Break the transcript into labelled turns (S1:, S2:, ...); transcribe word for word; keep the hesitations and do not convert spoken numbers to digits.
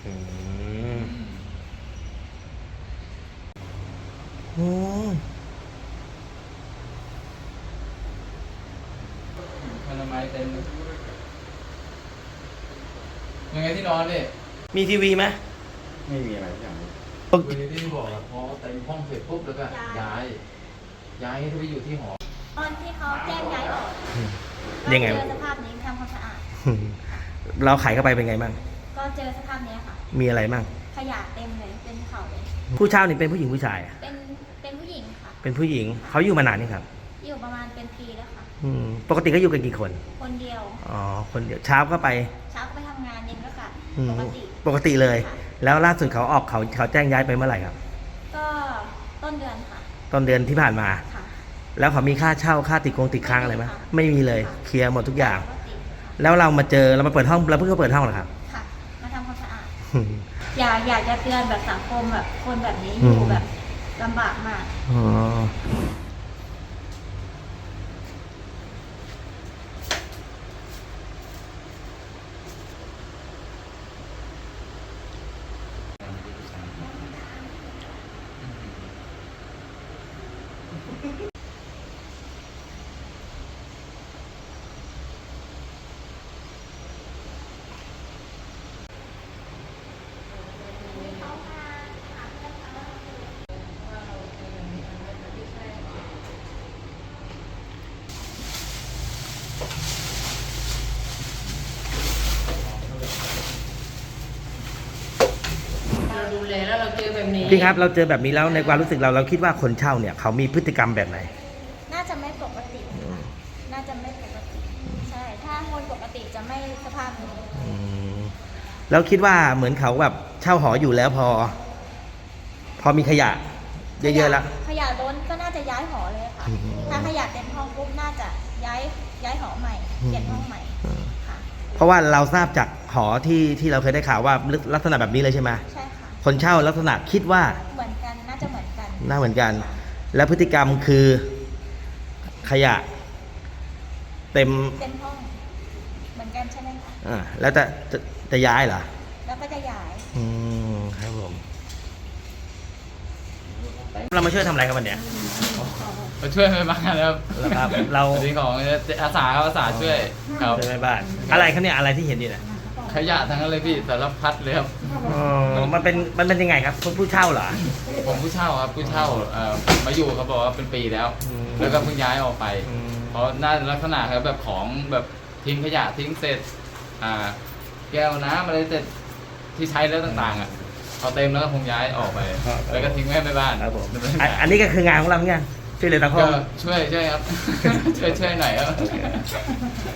S1: อืมโอ้
S2: พลไม้เต็มเลยยังไงที่นอนดิ
S1: มีทีวีไหม
S3: ไม่มีอะไรอย่างนี้
S2: คุยที่บอกอะพอเต็มห้องเสร็จปุ๊บแล้วก็ย้าย ย้ายให้ไปอยู่ที่หอ
S4: ตอนที่เขาแจ้งย้ายออก
S1: ยังไง
S4: ก็เจอสภาพนี้ทำความสะอาด
S1: เราขายเข้าไปเป็นไงบ้าง
S4: ก็เจอสภาพนี้ค่ะ
S1: มีอะไรบ้าง
S4: ขยะเต็มเลยเป็นเขาเลย
S1: ผู้เช่านี่เป็นผู้หญิงผู้ชายอะ
S4: เป็นเป็นผู้หญิงค่ะ
S1: เป็นผู้หญิงเขาอยู่มานานนี่ครับ
S4: อยู่ประมาณเป็นปีแล้วค่ะ
S1: อืมปกติก็อยู่กันกี่คน
S4: คนเดียว
S1: อ๋อคนเดียวเช้าก็ไป
S4: เช้าก็ไปทำงานเย็นก็กลับ
S1: อืม
S4: ปกติ
S1: ปกติเลย
S4: ค่ะ
S1: แล้วล่าสุดเขาออกเขาเขาแจ้งย้ายไปเมื่อไหร่ครับ
S4: ก็ต้นเดือนค่ะ
S1: ต้นเดือนที่ผ่านมา
S4: ค่ะ
S1: แล้วเขามีค่าเช่าค่าติดคงติดค้างอะไรไหม
S4: ไม่มีค่ะ
S1: ไม่มีเลยเคลียร์หมดทุกอย่าง
S4: ปกติค่ะ
S1: แล้วเรามาเจอเรามาเปิดห้องเราเพิ่งก็เปิดห้องเหรอครับ
S4: ค่ะ มาทำความสะอาด อยากอยากจะเตือนแบบสังคมแบบคนแบบนี้อ
S1: อื
S4: ยู่
S1: ม
S4: แบบลำบากมาก
S1: อ๋อ
S5: เราดูแลแล้วเราเจอแบบนี้
S1: พี่ครับเราเจอแบบนี้แล้วในความรู้สึกเราเราคิดว่าคนเช่าเนี่ยเขามีพฤติกรรมแบบไหน
S4: น่าจะไม่ปกติค่ะน่าจะไม่ปกติ ใช่ ถ้าคนปกติจะไม่สภาพนี้
S1: อืมแล้วคิดว่าเหมือนเขาแบบเช่าหออยู่แล้วพอ พอมีขยะ เยอะๆแล้ว
S4: ขยะล้นก็น่าจะย้ายหอเลยค่ะ
S1: อืม
S4: ถ้าขยะเต็มห้องปุ๊บน่าจะย้ายย้ายหอใหม่ เปลี่ยนห้องใหม่
S1: อืม
S4: ค่ะ
S1: เพราะว่าเราทราบจากหอที่ที่เราเคยได้ข่าวว่าลักษณะแบบนี้เลยใช่ไหม
S4: ใช่ค่ะ
S1: คนเช่าลักษณะคิดว่า
S4: เหมือนกัน น่าจะเหมือนกัน
S1: น่าเหมือนกัน และพฤติกรรมคือขยะ เต็ม
S4: เต็มห้อง เหมือนกันใช่ไหมคะ
S1: อ่าแล้วจะจะจะย้ายเหรอ
S4: แล้วก็จะย้าย
S1: อืมครับผมเรามาช่วยทำอะไรครับวันเนี้ย
S2: มาช่วยไม่มาแล้ว
S1: แล้วครับเรา
S2: สวัสดีของอาสาครับอาสาช่วยครับ
S1: ช่วยแม่บ้านอะไรครับเนี่ยอะไรที่เห็นอยู่เนี่ย
S2: ขยะทั้งนั้นเลยพี่สารพัดเลยครับ
S1: อ๋อมันเป็นมันเป็นยังไงครับผู้ผู้เช่าเหรอ
S2: ผมผู้เช่าครับผู้เช่าเอ่อมาอยู่เขาบอกว่าเป็นปีแล้ว
S1: อืม
S2: แล้วก็เพิ่งย้ายออกไป
S1: อืม
S2: เพราะน่าลักษณะครับแบบของแบบทิ้งขยะทิ้งเศษอ่าแก้วน้ำอะไรเศษที่ใช้แล้วต่างๆอ่ะพอเต็มแล้วก็คงย้ายออกไป แล้วก็ทิ้งไว้ในบ้าน
S1: ครับผม
S2: ดำเนิน
S1: อัน
S2: การ
S1: อันนี้ก็คืองานของเราเหมือนกันช่วยเหลือสังค
S2: ก็
S1: ม
S2: ช่วยช่วยครับ ช่วยช่วยหน่อยครับ